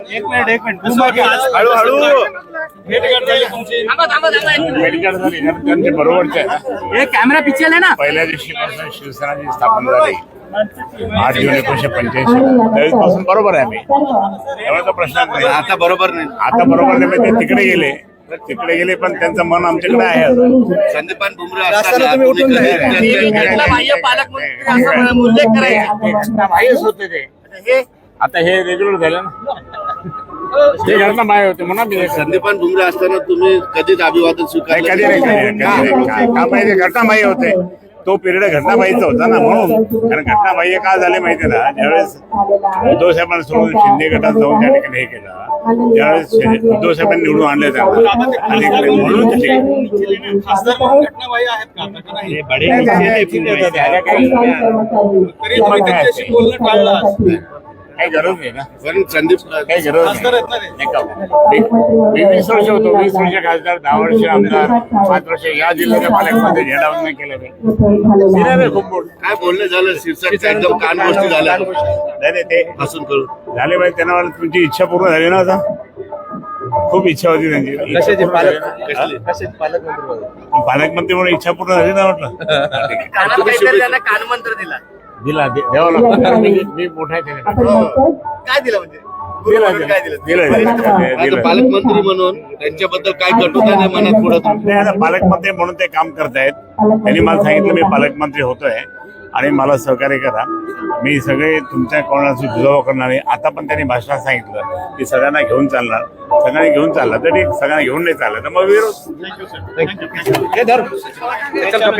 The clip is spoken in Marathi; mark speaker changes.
Speaker 1: एक मिनिट हळूहळू त्यांचे बरोबरचे आहे.
Speaker 2: कॅमेरा पिक्चर आहे ना.
Speaker 1: पहिल्या दिवशीपासून शिवसेना जी स्थापन झाली 8 जून 1985 त्यावेळेसपासून बरोबर आहे आम्ही, त्यामुळे तो प्रश्न नाही.
Speaker 3: आता बरोबर नाही.
Speaker 1: आता बरोबर नाही, म्हणजे ते तिकडे गेले पण त्यांचं मन आमच्याकडे आहे अजून.
Speaker 3: संदीपान भुमरे असताना तुम्ही कधी
Speaker 2: पालकमंत्री असं उल्लेख करायचा.
Speaker 1: होते ते आता हे रेग्युलर झालं ना. ते घटना माय होते म्हणा मी
Speaker 3: संदीपान भुमरे असताना तुम्ही कधीच अभिवादन स्वीकारलं
Speaker 1: कधी नाही का माहिती घटनाबाह्य होते. तो पिरियड घटनाबाह्यचा होता ना, म्हणून. कारण घटनाबाह्य का झाले माहिती ना, ज्यावेळेस उद्धव साहेबांना सोडून शिंदे गटात जाऊन त्या ठिकाणी हे केलं, त्यावेळेस उद्धव साहेबांनी निवडून आणले त्यांना आणि म्हणून काही गरज नाही ना.
Speaker 3: कारण संदीप
Speaker 1: काही गरज नाही. मी 20 वर्ष होतो, 20 वर्ष खासदार, 10 वर्ष आमदार, 5 वर्ष या जिल्ह्याच्या पालकमंत्री झेंडावंदन केलं नाही. खूप मोठं
Speaker 3: काय बोलणं झालं शिरसाटच्या एकदम कान गोष्टी झाल्या
Speaker 1: नाही ते
Speaker 3: हसून करून
Speaker 1: झाले पाहिजे. त्यांना वाटलं तुमची इच्छा पूर्ण झाली ना. आता खूप इच्छा होती त्यांची. पालकमंत्री म्हणून इच्छा पूर्ण झाली ना म्हटलं.
Speaker 2: कानात काहीतरी त्यांना कानमंत्र दिला.
Speaker 1: दिला द्यावा लागतो. कारण मी मोठा आहे त्याच्याकडे.
Speaker 2: काय दिलं म्हणजे
Speaker 3: आता पालकमंत्री म्हणून त्यांच्याबद्दल काय कटुता नाही मनात पुढे
Speaker 1: नाही, आता पालकमंत्री म्हणून ते काम करतायत. त्यांनी मला सांगितलं मी पालकमंत्री होतोय आणि मला सहकार्य करा. मी सगळे तुमच्या कोणाशी दुजावा करणार नाही. आता पण त्यांनी भाषणात सांगितलं की सगळ्यांना घेऊन चालणार. सगळ्यांनी घेऊन चालला तर ठीक, सगळ्यांना घेऊन नाही चाललं तर मग विरोध.